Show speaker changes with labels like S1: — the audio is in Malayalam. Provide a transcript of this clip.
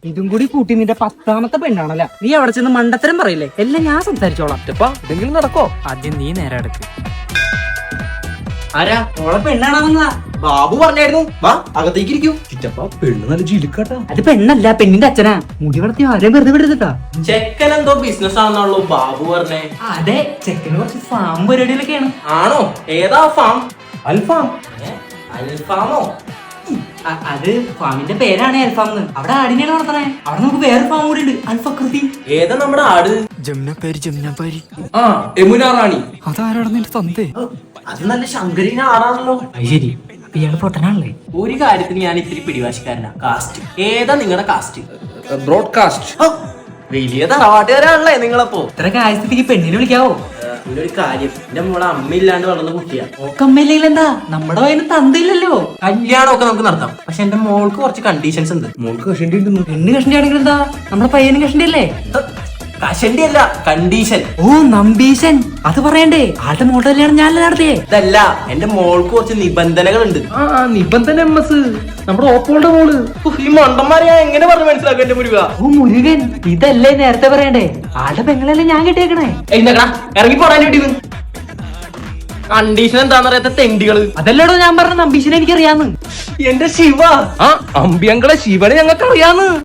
S1: ഇതും കൂടി കൂട്ടി നിന്റെ 10ാമത്തെ പെണ്ണാണല്ലോ. നീ അവിടെ ചെന്ന് മണ്ടത്തരം പറയില്ലേ? എല്ലാം ഞാൻ സംസാരിച്ചോളാം.
S2: എന്തെങ്കിലും നടക്കോ?
S1: ആദ്യം നീ നേരെ അടുക്ക്. ആരാ? ഓളെ പെണ്ണാണെന്നാ
S2: ബാബു പറഞ്ഞായിരുന്നു. വാ അകത്തേക്ക് ഇരിക്കൂ. ചിറ്റപ്പ പെണ്ണ് നല്ല ജിലിക്കാട്ടാ.
S1: അത് പെണ്ണല്ല, പെണ്ണിന്റെ അച്ഛനാ. മുടി വളർത്തി ആരെയും വെറുതെ വിടുന്നിട്ടാ.
S2: ചെക്കൻ എന്തോ ബിസിനസ് ആണെന്നാണല്ലോ ബാബു പറഞ്ഞേ.
S1: അതെ, ചെക്കന് കുറച്ച് ഫാം പരിപാടികളൊക്കെയാണ്.
S2: ആണോ? ഏതാ ഫാം? അൽഫാം? അൽഫാമോ?
S1: അത് ഫാമിന്റെ പേരാണ് അൽഫാം. അവിടെ ആടിനെയാണ് വളർത്തണേ. അവിടെ നമുക്ക് വേറെ ഫാം കൂടി ഉണ്ട്, അൽഫക്രതി.
S2: ഏതാ നമ്മുടെ ആട്?
S1: ജമുനാപാരി.
S2: ആ യമുന റാണി.
S1: അതാരാണ് നിന്റെ തന്തേ?
S2: അത് നല്ല ശങ്കരീന ആടാണല്ലോ.
S1: ശരി, ഇയാള് പൊട്ടനാണല്ലേ?
S2: ഒരു കാര്യത്തിന് ഞാൻ ഇത്തിരി പിടിവാശിക്കാരനാ. കാസ്റ്റ് ഏതാ നിങ്ങളുടെ കാസ്റ്റ്? ബ്രോഡ്കാസ്റ്റ്. വലിയ തറവാട്ടുകാരാണല്ലേ നിങ്ങളപ്പോ.
S1: ഇത്ര കാര്യസ്ഥിതിക്ക് പെണ്ണിനെ വിളിക്കാവോ?
S2: പിന്നെ ഒരു കാര്യം, എന്റെ മോളെ അമ്മയില്ലാണ്ട് വളർന്ന കുട്ടിയാ.
S1: ഓക്കമ്മയില്ലെങ്കിൽ എന്താ, നമ്മുടെ വയന് തന്തയില്ലല്ലോ.
S2: കല്യാണമൊക്കെ നമുക്ക് നടത്താം. പക്ഷെ എന്റെ മോൾക്ക് കുറച്ച് കണ്ടീഷൻസ് ഉണ്ട്. മോൾക്ക് കഷണ്ടി ഉണ്ടെന്ന്.
S1: പെണ്ണ് കഷണ്ടി ആണെങ്കിൽ എന്താ, നമ്മുടെ പയ്യനും കഷണ്ടി അല്ലേ?
S2: കഷണ്ടി അല്ല, കണ്ടീഷൻ.
S1: ഓ നമ്പീശൻ, അത് പറയണ്ടേ? ആളുടെ മോളുടെ കല്യാണം ഞാനല്ലേ നടത്തിയേ?
S2: ഇതല്ല, എന്റെ മോൾക്ക് കുറച്ച് നിബന്ധനകളുണ്ട്.
S1: നിബന്ധന നമ്മുടെ ഓപ്പോളുടെ മോള്.
S2: ഈ മണ്ടന്മാരെ ഞാൻ എങ്ങനെ പറഞ്ഞു മനസ്സിലാക്കും എന്റെ മുരുക?
S1: ഓ മുരുകൻ, ഇതല്ലേ നേരത്തെ പറയണ്ടേ? ആളുടെ പെങ്ങളല്ലേ ഞാൻ കിട്ടിയേക്കണേ.
S2: ഇറങ്ങി പോടാൻ വേണ്ടി. കണ്ടീഷൻ എന്താന്നറിയാത്ത തെണ്ടികള്.
S1: അതല്ലേടോ ഞാൻ പറഞ്ഞ നമ്പീശനെ എനിക്കറിയാന്ന്.
S2: എന്റെ ശിവ, അമ്പിയങ്കളെ ശിവനെ ഞങ്ങൾക്ക് അറിയാന്ന്.